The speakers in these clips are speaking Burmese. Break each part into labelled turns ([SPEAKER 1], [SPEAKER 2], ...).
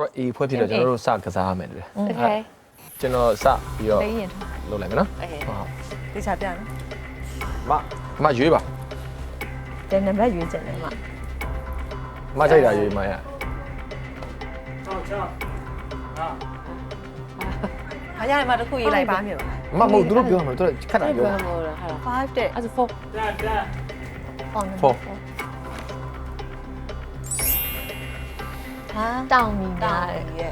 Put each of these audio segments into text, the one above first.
[SPEAKER 1] အေးဖွဲ့ဖြစ်တော့ကျွန်တော်တို့စကစားရမယ်လေ
[SPEAKER 2] Okay
[SPEAKER 1] ကျွန်တော်စပြီးတော့လုပ်လိုက်မယ်နော်
[SPEAKER 2] Okay
[SPEAKER 3] တေချာပြနော်
[SPEAKER 1] မရွေးပါ
[SPEAKER 3] တဲ့နံပါတ်ရွေးချင်တယ်မ
[SPEAKER 1] ကြိုက်တာရွေးမရ
[SPEAKER 3] အားရတယ်မတစ်ခုရေးလိုက်ပါမြေပါ
[SPEAKER 1] မဟုတ်သူတို့ပြောမှာသူတို့ခက်တာပြော
[SPEAKER 2] 5တဲ့အဲ့ဒါ4
[SPEAKER 1] 4
[SPEAKER 3] ဟာ
[SPEAKER 2] တောင်းမိများတယ်
[SPEAKER 3] ရဲ့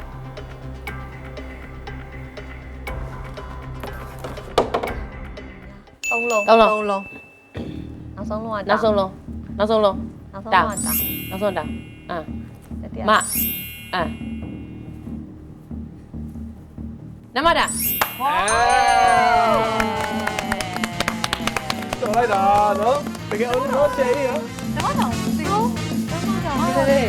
[SPEAKER 2] 3လုံး
[SPEAKER 3] 3လုံး
[SPEAKER 2] နောက်ဆုံးလုံးက
[SPEAKER 4] နောက်ဆုံးလုံးနောက်ဆုံးလုံး
[SPEAKER 2] နောက်ဆုံးလုံးကတောင်း
[SPEAKER 4] နောက်ဆုံးတောင်မနမတာ
[SPEAKER 1] တော်လိုက်တာနော်တကယ်အောင်တော့ချေးရ
[SPEAKER 3] တမတောင်စီဟုတ်
[SPEAKER 4] ဒီလေ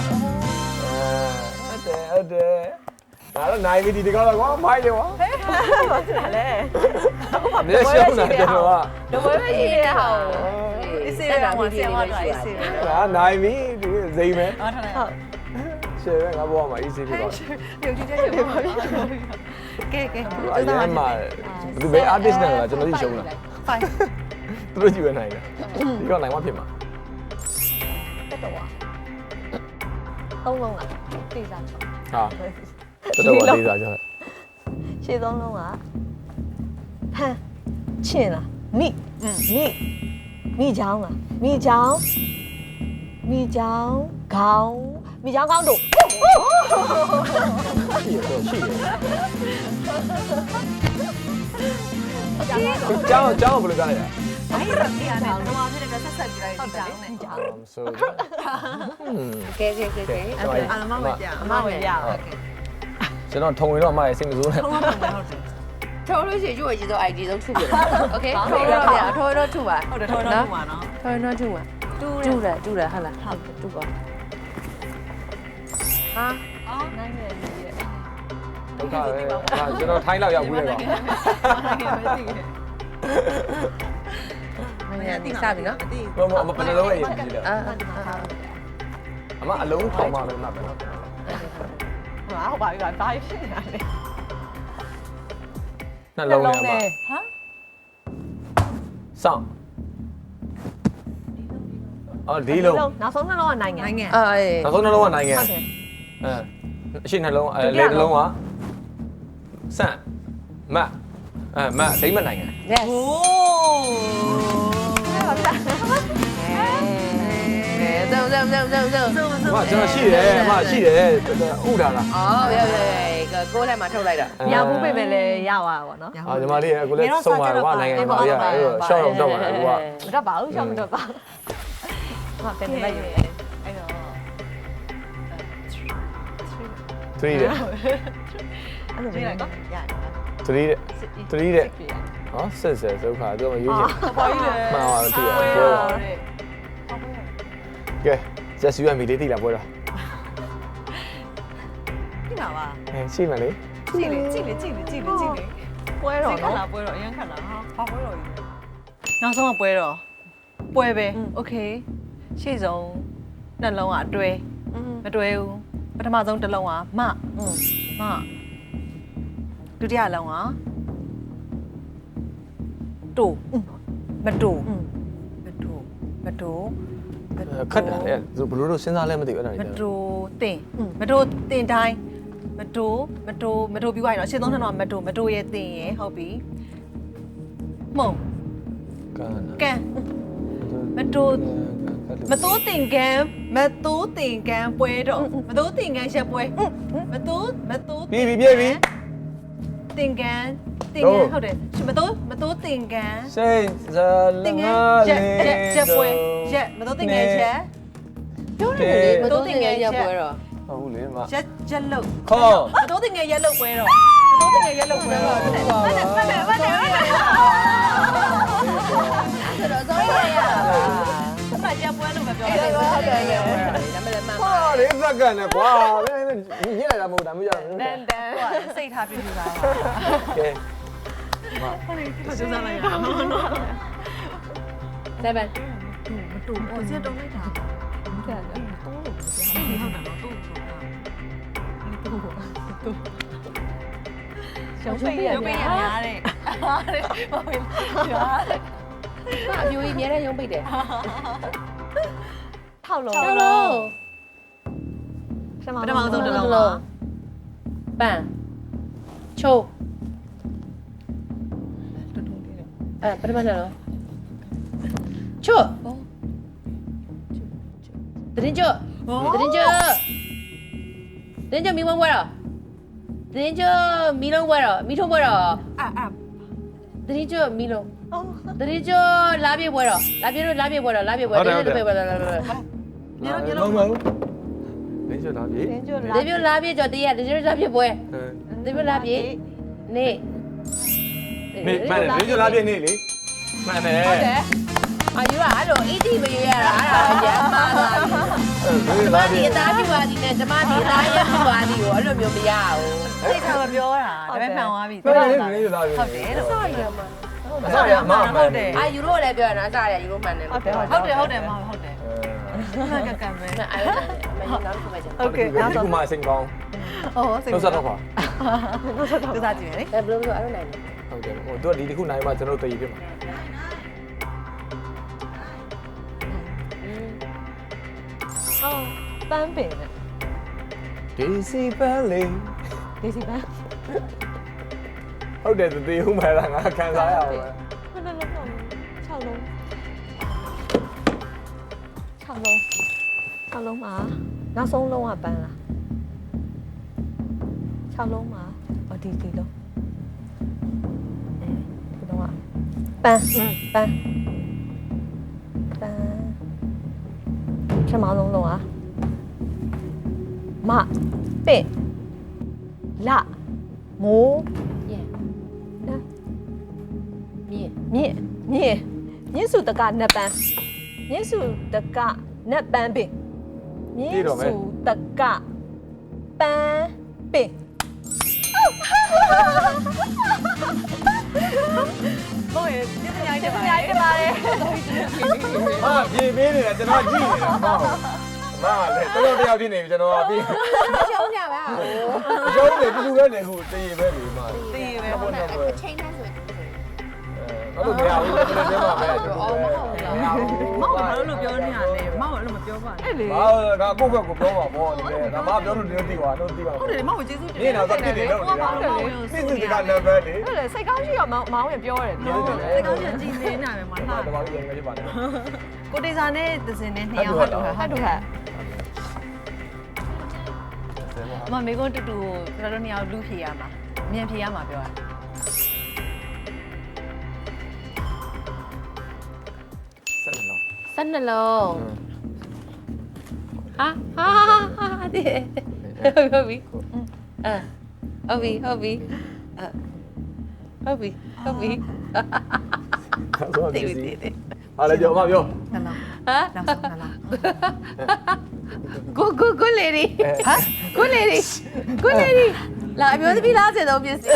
[SPEAKER 1] ဟုတ်တယ်ဒါတော့နိုင်ပြီဒီကတော့ကွာမိုက်တယ်ကွာ
[SPEAKER 3] ဘာဖြစ်လဲ
[SPEAKER 1] မျက်ရှောင်းတာကျွန်တော်က
[SPEAKER 4] တော့ဘယ်ပဲရေးရအောင်
[SPEAKER 3] အေးစေးရအောင်ဆင်မတော့အေးစေးရ
[SPEAKER 1] ဟာနိုင်ပြီဒီဇိမ်မယ်
[SPEAKER 3] ဟုတ်တယ်ဟုတ်
[SPEAKER 1] ရှယ်ပဲငါဘောမှာ easy ဖြစ်သွားတယ်
[SPEAKER 3] ပြုတ်ကြည့်ကြည့်ပါကဲကဲ
[SPEAKER 1] အရင်မှာဒီဘယ် artist နဲ့လားကျွန်တော်ကြီးရှုံးတာ
[SPEAKER 3] 5
[SPEAKER 1] သူတို့ကြည့်ရနိုင်တယ်ဒီတော့နိုင်မှဖြစ်မှာ
[SPEAKER 2] တက်တော့3လုံးကတိစားချော
[SPEAKER 1] ဟာတော်တော်လေးစားကြတယ်
[SPEAKER 2] ရှေ့3လုံးကဟမ်ချင်လားမိချောင်းလားမိချောင်းခေါင်းမိချောင်းခေါင်းတို့
[SPEAKER 1] ရှိရတော့ရှိရကျောင်းဘယ်လိုကြားလိုက်ရ
[SPEAKER 3] ဘာရတဲ့နေရာနဲ့တော့ဖြစ်တဲ့ဆက်ဆက်ပြလိုက်ဒီကြောင်းနဲ့
[SPEAKER 2] မိချောင်း
[SPEAKER 1] ဆို
[SPEAKER 4] ကဲ
[SPEAKER 3] အမမပြအမမပြโอเค
[SPEAKER 1] ကျွန်တော်ထုံရင်တော့အမရဲ့စိတ်မဆိုးနဲ့
[SPEAKER 3] ဟုတ်တယ်ဟုတ်တယ်
[SPEAKER 4] ထော်လို့ရှိရင်ရွေးကြီးတော့ ID ဆုံးထုပြတယ်โอเคထော်တော့ထုပါ
[SPEAKER 3] ဟုတ်တယ်ထော်တော့မှာနော်
[SPEAKER 4] ထော်တော့ထုပါတူတယ်ဟုတ်လားတူပါဟာ
[SPEAKER 2] နိုင်မယ်လေ
[SPEAKER 1] ဒုက္ခပဲကျွန်တော်ထိုင်းလောက်ရောက်ဘူးလေကွာ
[SPEAKER 4] မင်းကတိစပြီနော်
[SPEAKER 1] မဘယ်လိုလုပ်ရရင်ကြည့်တယ်အမအလုံးထောင်မှလည်းမှတ်ပဲနော်
[SPEAKER 3] ဟာဟုတ်ပါပြီကွာဘာဖြစ်နေတာလဲ
[SPEAKER 1] နှလုံးနဲ့အမ
[SPEAKER 3] ဟာ
[SPEAKER 1] စောင့်အော်ဒီလုံး
[SPEAKER 2] နောက်ဆုံးနှလုံးကနိုင်ငံ
[SPEAKER 3] နိုင်ငံ
[SPEAKER 4] အေး
[SPEAKER 1] နောက်ဆုံးနှလုံးကနိုင်ငံ
[SPEAKER 2] ဟုတ်တယ်
[SPEAKER 1] အရှိနှလုံးလေနှလုံးကစန့်မတ်မတ်ဒိမတ်နိုင်ငံ
[SPEAKER 4] yes
[SPEAKER 3] โอ้
[SPEAKER 4] 走走走走走。
[SPEAKER 1] အမကျွန်တော်ရှိတယ်အမရှိတယ်ဥထားလား
[SPEAKER 4] 哦，别别，个锅来嘛抽来的。
[SPEAKER 2] ရဘူးပဲပဲလေရသွားပါတော့
[SPEAKER 1] အာညီမလေးအခုလည်းစုံပါတော့နိုင်ငံမှာရရှော့တော့မှာအခုက
[SPEAKER 2] မတော့ပါဘူးရှောက်မတော့ပါဟာပြန်နေလိုက်ရ
[SPEAKER 3] အဲ့တော့
[SPEAKER 1] 3တဲ့
[SPEAKER 2] အဲ့လို
[SPEAKER 3] ဒီ
[SPEAKER 2] ပဲ
[SPEAKER 3] လိုက်
[SPEAKER 2] နော်
[SPEAKER 3] ရတယ်
[SPEAKER 1] 3တဲ့ဟောဆက်ဆက်ဒုက္ခသူကရွေးချင်
[SPEAKER 3] ဘာကြီးလဲ
[SPEAKER 1] မှန်ပါတော့သူကပွဲတော့ကဲ just you and me လေးတိလာပွဲတော့
[SPEAKER 3] ဒီမှာပါ
[SPEAKER 1] ရှိမှလေ
[SPEAKER 3] ကြည့်လေပွဲတော့နော်ပွဲတော့အရင်ခက်လာဟာဘာပွဲတော့ကြီးနောက်ဆုံးကပွဲတော့ပွဲပဲโอเคရှေ့ဆုံးနှလုံးကအတွဲမတွဲဘူးပထမဆုံးတစ်လုံးကမဒုတိယလုံးကတူမတူ
[SPEAKER 1] ခက်တာလေဘယ်လိုလို့စဉ်းစားလဲမသိဘူးအဲ့ဒါ
[SPEAKER 3] မ
[SPEAKER 1] တွေ
[SPEAKER 3] တူတင်တိုင်းမတူပြီးသွားရင်တော့ရှင်းသုံးထက်တော့မတူရဲ့တင်ရဟုတ်ပြီမှုံ
[SPEAKER 1] ကန်
[SPEAKER 3] မတိုးတင်ကန်ပွဲတော့မတိုးတင်ကန်ရက်ပွဲမတိုး
[SPEAKER 1] ပြီ
[SPEAKER 3] တင်ကန်ဟုတ်တယ်မတိုးတင်ကန်
[SPEAKER 1] စိတ်ဇာလငါလေး
[SPEAKER 3] ရက်ပွဲရက်မတိုးတင်ကန်ရက်
[SPEAKER 4] ပြောနေတယ်မတိုးတင်ငယ်ရက်ပွဲတော့
[SPEAKER 1] ဟုတ်ဘူးလေမ
[SPEAKER 3] ရက်လုတ်
[SPEAKER 1] ခေါ်
[SPEAKER 3] မတိုးတင်ကန်ရက်လုတ်ပွဲတော့မတိုးတင်ကန်ရက်လုတ်ပွဲတော့မှတ်တယ်
[SPEAKER 4] ဆိုတော့စောရရ
[SPEAKER 3] မှတ်ရက်ပွဲလို့ပဲပြော
[SPEAKER 4] အဲ့
[SPEAKER 3] တယ်
[SPEAKER 4] ဒါဟုတ်တယ်ဒါမှလည်းမှန်ပါ
[SPEAKER 1] ဟာလေးစက္ကန့်နဲ့ကွာညစ်လိုက်တာမဟုတ်တာမရဘူး
[SPEAKER 3] တန်စိတ်ထားပြပြပါပါ
[SPEAKER 1] ကဲ
[SPEAKER 3] ဟုတ်တယ်ကျူးစားလိုက်ရအောင်နော်
[SPEAKER 4] 7
[SPEAKER 3] မတူဘူးစက်တုံးလိုက်တာ
[SPEAKER 2] ဒီကလည်းတော့လို့
[SPEAKER 3] ဒီဟုတ်တယ်နော်တူ
[SPEAKER 2] ရုံးပိတ်ရ
[SPEAKER 3] ရုပ်ပိတ်ရများတဲ့ဟာတဲ့မဝင်ရှားတဲ့
[SPEAKER 4] အပြိုကြီးမြဲတဲ့ရုံးပိတ်တယ်
[SPEAKER 2] ထောက်လုံး
[SPEAKER 4] ဟုတ်လို့
[SPEAKER 3] ပထမဆုံးတစ်လုံးပါ
[SPEAKER 4] ပန်ချိုးပထမဆုံးချိုးတရင်ချိုးတရင်ချိုးတရင်ချိုးမီမုံဘွားတော့တရင်ချိုးမီလုံးဘွားတော့မီထုံးဘွားတော့ တရင်ချိုးမီလုံးတရင်ချိုးလာပြေဘွားတော့လာပြေဘွားတော့လာပြေဘွားတော့လာပြေဘွားတော့
[SPEAKER 3] မြေလုံး
[SPEAKER 1] လင်းချလာပြီ
[SPEAKER 2] ရင်းကျွတ်
[SPEAKER 4] တပြေလာပြေကြော်တရတပြေလာပြေဘွားတပြေလာပြေနေ
[SPEAKER 1] နေမှန်တယ်လင်းချလာပြီနေလေမှန်တယ်
[SPEAKER 2] ဟုတ်တယ်
[SPEAKER 4] အာယူရအဲ့လိုအီတီမရွေးရတာအဲ့ဒါကြမ်းပါလာပြီ
[SPEAKER 1] လင်းလာပြီ
[SPEAKER 4] ဒီသားပြပါဒီနဲ့ဓမ္မဒီသားရပြပါဒီကိုအဲ့လိုမျိုးမရဘူး
[SPEAKER 3] စိတ်ထားမပြောတာဒါပေမဲ့မှန်သွားပြီ
[SPEAKER 1] ပြောတယ်လင်းလာပြီ
[SPEAKER 3] ဟုတ်တယ်လို့
[SPEAKER 4] ဆော်ရမှာ
[SPEAKER 1] အစရအမမှန်
[SPEAKER 3] ဟုတ်တယ်
[SPEAKER 4] အာယူရိုလည်းပြောရတာအစားရယူရိုမှန်တယ်
[SPEAKER 3] ဟုတ်တယ်ဟုတ်တယ်မဟုတ်တယ်ကကမဲ
[SPEAKER 4] အဲ့လိုမင်းနောက်တစ်ခုပဲကျန်
[SPEAKER 3] โอเค
[SPEAKER 1] ဒီ
[SPEAKER 3] နောက်
[SPEAKER 1] က
[SPEAKER 3] ဆုံး
[SPEAKER 1] မှအစိမ်ကောင်း
[SPEAKER 3] ဟောစိတ်
[SPEAKER 1] လောက်ဆက်တော့ခွာ
[SPEAKER 3] သူစားကြည့်မယ်လေ
[SPEAKER 4] အဲ့ဘယ်လိုပြောအဲ့လိုနိုင်လဲ
[SPEAKER 1] ဟုတ်တယ်ဟိုသူကဒီတစ်ခုနိုင်မှကျွန်တော်တို့တည်ပြမှာ
[SPEAKER 2] အော်ပန်းပင်နဲ့
[SPEAKER 1] ဒီစီပန်းလေး
[SPEAKER 2] ဒီစီပန်း
[SPEAKER 1] ဟုတ်တယ်တည်ဦးမှာလားငါခံစားရအောင်ပဲ
[SPEAKER 2] ခုနလုံးလုံး6လုံး6လုံးမှာနောက်ဆုံးလုံးကပန်းလား6လုံးမှာဒီလုံးဒီလုံးကပန်းပန်းပထမဆုံးလုံးကမပင့်လမိုး
[SPEAKER 4] 耶
[SPEAKER 2] နော်
[SPEAKER 4] မြင့်
[SPEAKER 2] မြင့်စုတကနတ်ပန်းမြင့်စုတကနတ်ပန်းပင်မြင့်စုတကပန်းပင်
[SPEAKER 3] ဘို့ရဲ့ပြညာတက်ပါ
[SPEAKER 2] ရိုက်ပါတယ်
[SPEAKER 1] ဟာပြေးပေးနေတာကျွန်တော်ကြည့်နေတာမဟုတ်မလည်းတော်တော်တယောက်ဖြစ်နေပြီကျွန်တော်ကပြီး
[SPEAKER 4] ရှုံးကြပါ
[SPEAKER 1] အကျုံးနေတူတူပဲနေခုတည်ပဲလေမ
[SPEAKER 3] တည်ပဲ
[SPEAKER 1] ဟုတ်တယ်ဟုတ်တယ်
[SPEAKER 4] ချိန်နှန်းဆို
[SPEAKER 1] အဲ့လိုမရဘူးလည်းပြောမှာပဲတူတူပဲ
[SPEAKER 3] မောင်ဘာလို့ပြောနေတာလဲမောင်အဲ့လိုမပြောပါနဲ့
[SPEAKER 2] အဲ့လေ
[SPEAKER 1] ဘာကကိုယ့်ဘက်ကိုပြောမှာပေါ့ဒီလေဒါမှပြောလို့ဒီလိုသိပါတော့သိပါ
[SPEAKER 3] ဟုတ်တယ်မောင်ကိုကျေးဇူးတင်
[SPEAKER 1] နေတော့တက်တယ်လို့နေတာသိသူကနံပါတ်လေ
[SPEAKER 2] အဲ့လေစိတ်ကောင်းရှိတော့မောင်းရင်ပြောရတယ်ပြောတယ်
[SPEAKER 3] စိတ်ကောင်းချင်ကြည်နေတာပဲမလား
[SPEAKER 1] တမကြီးငယ်ဖြစ်ပါနဲ့
[SPEAKER 3] ကိုတေစာနဲ့သစင်နဲ့နှစ်ယောက်ဟုတ်တယ်
[SPEAKER 2] ဟတ်တူဟတ်
[SPEAKER 3] မမေကွန်းတူတူကျွန်တော်တို့နှစ်ယောက်လူဖြေရမှာမြန်ဖြေရမှာပြောတာ
[SPEAKER 1] ဆက်နေတော့
[SPEAKER 4] 12လုံးဟာဒီဟုတ်ပြီဟုတ်ပြီဟုတ်ပြီတည်တည်
[SPEAKER 1] ဟာလေပြောမပြော
[SPEAKER 3] နှလုံး
[SPEAKER 4] ဟာ
[SPEAKER 3] နောက်ဆုံးနှလုံး
[SPEAKER 4] ကိုလေဒီဟာကိုလေဒီလာအမျိုးသမီးလားစေတော့ပြစ်စီ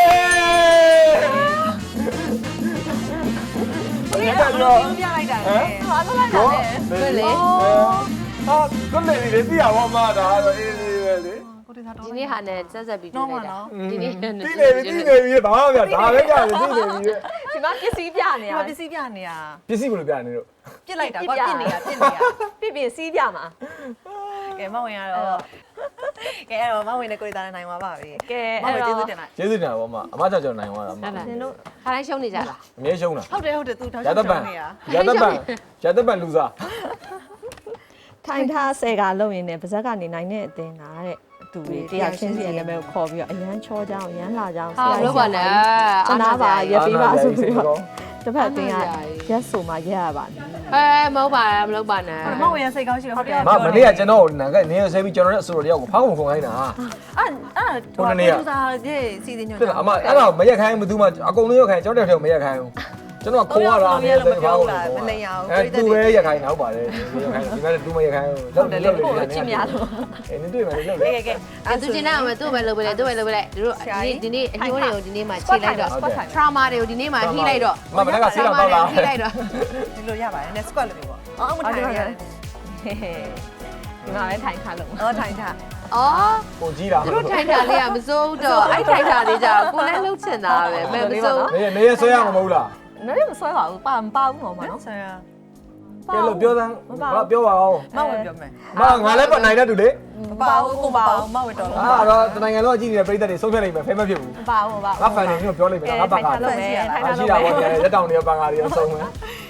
[SPEAKER 1] အေးဒါပြော
[SPEAKER 3] ပြလိုက်တာ
[SPEAKER 2] ဟာတော့လိုက်တာလေ
[SPEAKER 4] ကိုလေ
[SPEAKER 1] ဟာကိုလေဒီသိရပါမဒါတော့အေးလေးပဲလေ
[SPEAKER 3] ကိုတေစာတော့
[SPEAKER 4] ဒီနေ့ဟာနဲ့ဆက်ဆက်ပြီးတွေ့လိုက်တာဒီနေ့
[SPEAKER 1] သိနေပြီဘာမှမပြဒါပဲကြတယ်သိနေပြီ
[SPEAKER 2] ဒီမှာပစ္စည်းပြနေရ
[SPEAKER 3] ပစ္စည်းပြနေတာ
[SPEAKER 1] ပစ္စည်းဘယ်လိုပြနေလို့
[SPEAKER 3] ပြစ်လိုက်တာကွာပြစ်နေတာ
[SPEAKER 2] ပြစီးပြမှာ
[SPEAKER 3] ကဲမဝင်ရတော့ကဲအဲ့တော့မဝင်တဲ့ကိုတေစာနဲ့နိုင်သွားပါပြီ
[SPEAKER 2] ကဲ
[SPEAKER 3] မဝင်ကျေးဇူးတင်လိုက်
[SPEAKER 1] ကျေးဇူးတင်ပါမအမကြောင့်ကျွန်တော်နိုင်သွားတာမ
[SPEAKER 2] နင်တို့
[SPEAKER 4] ခါတိုင်းရှုံးနေကြလား
[SPEAKER 1] အမြဲရှုံးတာ
[SPEAKER 3] ဟုတ်တယ်သူတောက်
[SPEAKER 1] ရ
[SPEAKER 3] ချော
[SPEAKER 1] တ
[SPEAKER 3] က်
[SPEAKER 1] ပန်
[SPEAKER 3] နေတာ
[SPEAKER 1] ရတပန်လူစား
[SPEAKER 2] ထိုင်ထားဆယ်ကလုံရင်လည်းပါဇက်ကနေနိုင်တဲ့အတင်းကတဲ့သူတွေတရားချင်းစီရဲ့နာမည်ကိုခေါ်ပြီးတော့အရန်ချောကြောင်းအရန်လာကြောင်း
[SPEAKER 4] ဟာလို့ပါနဲ့
[SPEAKER 2] သနာပါရက်ပေးပါဆိုပြီးတော့တစ်ဖက်အတင်းကရက်ဆိုမှရက်ရပါတယ်
[SPEAKER 4] မဟုတ်ပါနဲ့မလုပ်ပါနဲ့
[SPEAKER 3] မဝင်ရစိတ်ကောင်းရှိတော့ဟုတ်တယ်
[SPEAKER 1] မနေ့ကကျွန်တော်နာကနေဆဲပြီးကျွန်တော်နဲ့အဆိုတော်တယောက်ကိုဖောင်းကုန်ခိုင်းတာ
[SPEAKER 3] အဲ့သူစားရဲ့စီစဉ်ညွှန်
[SPEAKER 1] ဖြစ်လားအမအဲ့ဒါမရက်ခိုင်းဘူးသူမှအကုန်လုံးရက်ခိုင်းကျွန်တော်တယောက်တည်းမရက်ခိုင်းဘူးကျွန်တော်ခိုးရတာနဲ့ဖောင်းကုန်အဲ့သူပဲရက်ခိုင်းတာဟုတ်ပါတယ်ရက်ခိုင်းဒီမဲ့သူမရက်ခိုင်းဘူးလောက်လောက်လောက်
[SPEAKER 2] ချစ်များလို့
[SPEAKER 1] အဲ့နင်တွေ့မယ်လောက်
[SPEAKER 3] ကဲကဲ
[SPEAKER 4] သူကျင်တဲ့အောင်သူ့ပဲလုပ်ပဲလေသူ့ပဲလုပ်ပဲလေတို့ဒီနေ့အညိုးတွေကိုဒီနေ့မှချိန်လိုက်တော့ trauma တွေကိုဒီနေ့မှထိလိုက်တော့
[SPEAKER 1] မမလည်းကဆေးတော့တော့လား
[SPEAKER 4] ထိလိုက်တော့
[SPEAKER 3] ဒီလိုရပါတယ်နဲ့ squat လို့ပြောပေါ့အော်မထိုင်ရတယ်
[SPEAKER 2] ဒီမှာပဲထိုင်ထားလို့
[SPEAKER 3] အော်ထိုင်ထား
[SPEAKER 4] အော်
[SPEAKER 1] ကိုကြီးတာ
[SPEAKER 4] တို့ထိုင်တာလေးကမစိုးတော့အဲ့ထိုင်တာလေးကြတော့ကိုလည်းလှုပ်ချင်တာပဲမစိုး
[SPEAKER 1] နေရဆွဲရမှာမဟုတ်လား
[SPEAKER 2] နည်းမဆွဲပါဘူးပါမပါဘူးဟောမှာနော်
[SPEAKER 3] ဆရာ
[SPEAKER 1] ကဲလို့ပြောစမ်းပြောပါအောင်
[SPEAKER 3] မဝင်ပြောမယ်
[SPEAKER 1] ငါလည်းပတ်နိုင်တဲ့သူလေ
[SPEAKER 3] မပါဘူးကိုပါမဝင်တော့
[SPEAKER 1] အဲ့တော့တနိုင်ငံလုံးကြည့်နေတဲ့ပြည်သက်တွေဆုံးဖြတ်လိုက်မယ်ဖဲမဖြစ်ဘူး
[SPEAKER 2] မပါဘူးမပါ
[SPEAKER 1] ငါဖန်နေမျိုးပြောလိုက်မယ်ငါဘက်က
[SPEAKER 2] ထိုင်ထားလို့မယ်ထိုင်ထား
[SPEAKER 1] ရှိ
[SPEAKER 2] လို့
[SPEAKER 1] တာ
[SPEAKER 2] မယ်
[SPEAKER 1] ပေါ့ရက်တောင်တွေပန်ကားတွေဆုံးမယ်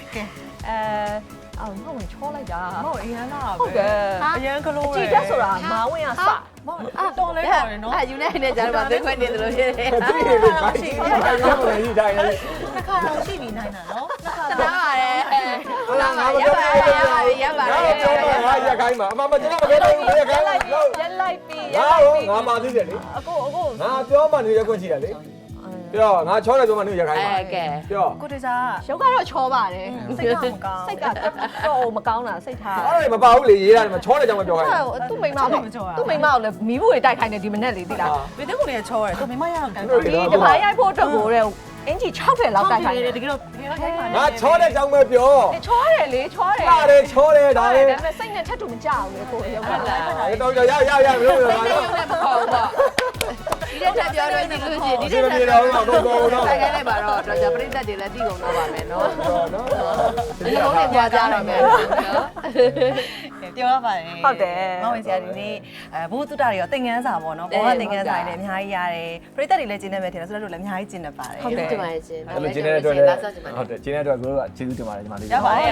[SPEAKER 2] အော်မဝင်ချောလိုက်တာ
[SPEAKER 3] မဟုတ်အရန်လာ
[SPEAKER 2] ဟုတ်တယ်
[SPEAKER 3] အရန်ကလို့
[SPEAKER 2] ကြည့်တက်ဆိုတာမာဝင်ကစ
[SPEAKER 3] တော်လဲတော်တယ်နော်
[SPEAKER 4] အဲ့ယူနေနေကြတော့သိခွင့်နေတယ်လို့ဖြစ်တယ်
[SPEAKER 1] ဒီနေ့ပဲဘိုက်ကြီးရမလဲဒီတိုင်းလေ
[SPEAKER 3] တစ်ခါတော့ရှိပြီနိုင်တာနော်တစ်ခါ
[SPEAKER 4] တနာပါတယ်
[SPEAKER 1] ဟုတ်လားငါမပြောဘူး
[SPEAKER 4] ရပါ
[SPEAKER 1] ငါ
[SPEAKER 4] တယ်
[SPEAKER 1] ပြောမှာငါရက်ခိုင်းမှာအမမကျွန်တော်မပြောဘူးရက်ခိုင်းလို့
[SPEAKER 2] ရက်လိုက်ပြီ
[SPEAKER 1] ငါငါပါသေးတယ်လေ
[SPEAKER 2] အကို
[SPEAKER 1] ငါပြောမှနေရက်ခွင့်ရှိတယ်လေပြောငါချောတယ်ပြောမှနေရက်ခိုင်းမှာ
[SPEAKER 4] ကဲ
[SPEAKER 1] ပြော
[SPEAKER 3] ကိုတေစာ
[SPEAKER 2] ရုပ်ကတော့ချောပါတယ်
[SPEAKER 3] စိတ်ကမကောင်း
[SPEAKER 2] စိတ်ကတော့မကောင်းတာစိတ်ထား
[SPEAKER 1] အဲ့မပါဘူးလေရေးရတယ်မချောတယ်ကြောင့်မပြောခိုင်း
[SPEAKER 2] သူ့မိမကိုလည်းမီးဘူးတွေတိုက်ခိုင်းနေဒီမနေ့လေးသိလား
[SPEAKER 3] ဘယ်တဲ့ကိုနေချောရတယ်သူမိမရအောင်ကန်
[SPEAKER 2] ဒီဒီပိုင်းရိုက်ဖို့အတွက်ကိုတဲ့အင်ဂျီ60လောက်တိုက်ခိုင်းတယ်
[SPEAKER 3] တကယ်တော့ခိုင်းပါ
[SPEAKER 1] ငါချောတဲ့ကြောင့်ပဲပြော
[SPEAKER 2] ချောတယ်လေချောတယ်
[SPEAKER 1] လာတယ်ချောတယ်ဒါ
[SPEAKER 2] ဒါ
[SPEAKER 1] လေ
[SPEAKER 2] ပေမဲ့စိတ်နဲ့ထပ်တူမကြဘူးလေကိုရုပ်ကလည်း
[SPEAKER 1] တော့ရမလို့ရ
[SPEAKER 4] ဒီနေ့ရုံနဲ့မခေါ်ဘူးပေါ့ဒီတဲ့တက်ပြောလို့ဒီလိုရှိဒီတဲ့တက်ပြောလို့ဆိုင်ခိုင်းလိုက်ပါတော့တော့ပြိတ္တတွေလည်းတည်ကုန်တော့ပါမယ်နော်
[SPEAKER 1] နော်
[SPEAKER 4] ဒီလိုနဲ့ကြွားကြတော့မယ်နော်
[SPEAKER 3] ပြောရပါတယ်မောင်ဝင်စရာဒီနေ့ဘိုးတုတ္တတွေရောသင်ငန်းစာပေါ့နော်ဘောကသင်ငန်းစာတွေလည်းအများကြီးရတယ်ပရိသတ်တွေလည်းကျင်းနေမယ်ထင်တယ်ဆိုတော့လည်းအများကြီးကျင်းနေပါတယ်
[SPEAKER 4] ဟုတ်တယ်ပါရှင်
[SPEAKER 1] အဲ့လိုကျင်းတဲ့အတွက်လည်းဟုတ်တယ်ကျင်းတဲ့အတွက်ကိုကကျေးဇူးတင်ပါတယ်ညီမလေး
[SPEAKER 3] ရပါတယ်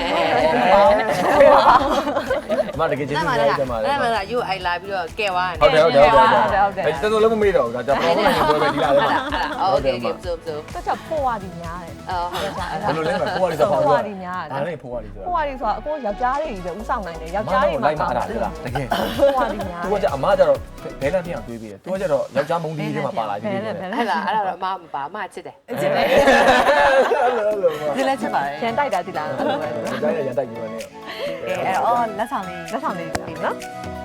[SPEAKER 1] အမတကယ်ကျေးဇူးတင်ပါတယ်ညီမလေး
[SPEAKER 4] အဲ့မှာကယူအိုင်လာပြီးတော့ကဲသွားတယ်
[SPEAKER 1] ဟုတ်တယ်အဲ့တော်တော်လုံးမမေ့တော့ဘူးဒါကြောင့်ဘောလုံးနဲ့ပွဲပဲဒီလာတယ်
[SPEAKER 4] โอเคကဲဆိုဆို
[SPEAKER 2] တက်ချက်ဖို့ရသည်များတယ်
[SPEAKER 4] အော်
[SPEAKER 1] ဘယ်လိုလဲမဖိုးရည်ဆို
[SPEAKER 2] ဖို့
[SPEAKER 1] တော့
[SPEAKER 2] ရသည်များတယ်
[SPEAKER 1] ဒါလည်းဖိုးရည်ဆို
[SPEAKER 2] ဖို့ရသည်ဆိုတာအကိုယောက်ျားတွေပဲဥဆောင်နိုင်တယ်ယောက်ျားတွေ
[SPEAKER 1] လိုက်မှာအဲ့ဒါလားတကယ်
[SPEAKER 2] ဖို့ရသည်များ
[SPEAKER 1] သူကကြအမကြတော့ဘဲလန်ပြန်တွေးပြီးတယ်သူကကြတော့ယောက်ျားမုန်းတီးတွေမှာပါလာပြီ
[SPEAKER 2] ဘယ်
[SPEAKER 1] လေ
[SPEAKER 2] လဲဘယ်လဲ
[SPEAKER 4] အဲ့လားအဲ့တော့အမမပါအမချစ်တယ်
[SPEAKER 3] ကျင်းနေဒီလက်ချက်ပါတယ်
[SPEAKER 2] ရန်တိုက်တာဒီလားအဲ့လိုပဲ
[SPEAKER 1] ဒီတိုင်းရန်တိုက်ပြီးတော့နေ
[SPEAKER 3] အဲ့တော့လက်ဆောင်လေး
[SPEAKER 2] လက်ဆောင်လေးပြီနော်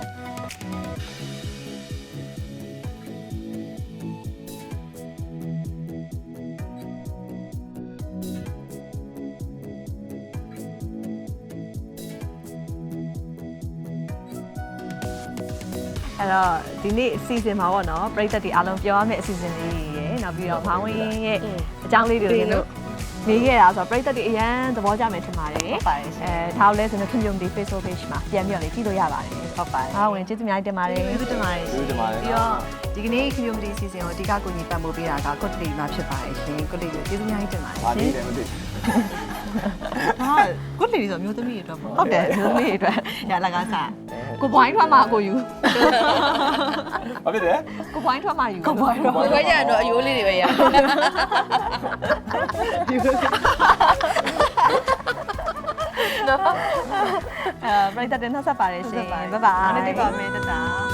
[SPEAKER 2] အဲ့တော့ဒီနေ့အစီအစဉ်မှာပေါ့နော်ပရိသတ်တွေအားလုံးပြောရမယ့်အစီအစဉ်လေးတွေရယ်နောက်ပြီးတော့မောင်ဝင်းရဲ့အကြောင်းလေးတွေကိုတို့မေးခဲ့တာဆိုတော့ပရိသတ်တွေအရန်သဘောကျမယ်ထင်ပါတယ်
[SPEAKER 3] ဟုတ်ပါတယ်ရှင်
[SPEAKER 2] ဒါလည်းဆိုတော့ community Facebook page မှာပြန်ပြီးတော့လေကြည့်လို့ရပါတယ်
[SPEAKER 3] ဟုတ်ပါတယ်
[SPEAKER 2] မောင်ဝင်းကျေးဇူးအများကြီးတင်ပါတယ်
[SPEAKER 3] ကျေးဇူးတင်ပါတယ်ရှင်ပြီးတော့ဒီကနေ့ community season ကိုအဓိကကိုကြီးပတ်မှုပေးတာက good day မှာဖြစ်ပါတယ်ရှင် good day ကိုကျေးဇူးအများကြီးတင်ပါတယ်
[SPEAKER 1] ပါ
[SPEAKER 3] ရှ
[SPEAKER 1] နေ
[SPEAKER 3] င်
[SPEAKER 1] တယ်မသိ
[SPEAKER 3] ဟာ good day ဆိုမျိုးသမီးတွေအတွက်ပေါ့
[SPEAKER 2] ဟုတ်တယ်ဒီလိုလေးအတွက်
[SPEAKER 3] ရလကားစား
[SPEAKER 2] ကိုပွိုင်းထွက်မှာကိုယူ
[SPEAKER 1] ဘာဖြစ်တယ်
[SPEAKER 2] ကိုပွိုင်းထွက်မှာယူ
[SPEAKER 3] ကိုပွိုင်းတော့
[SPEAKER 4] ဘယ်ခွဲကြတော့အယိုးလေးတွေပဲရ
[SPEAKER 2] ပရိသတ်တင်နှက်ဆက်ပါတယ်ရှင် bye bye
[SPEAKER 3] အားနေပါမယ်တတာ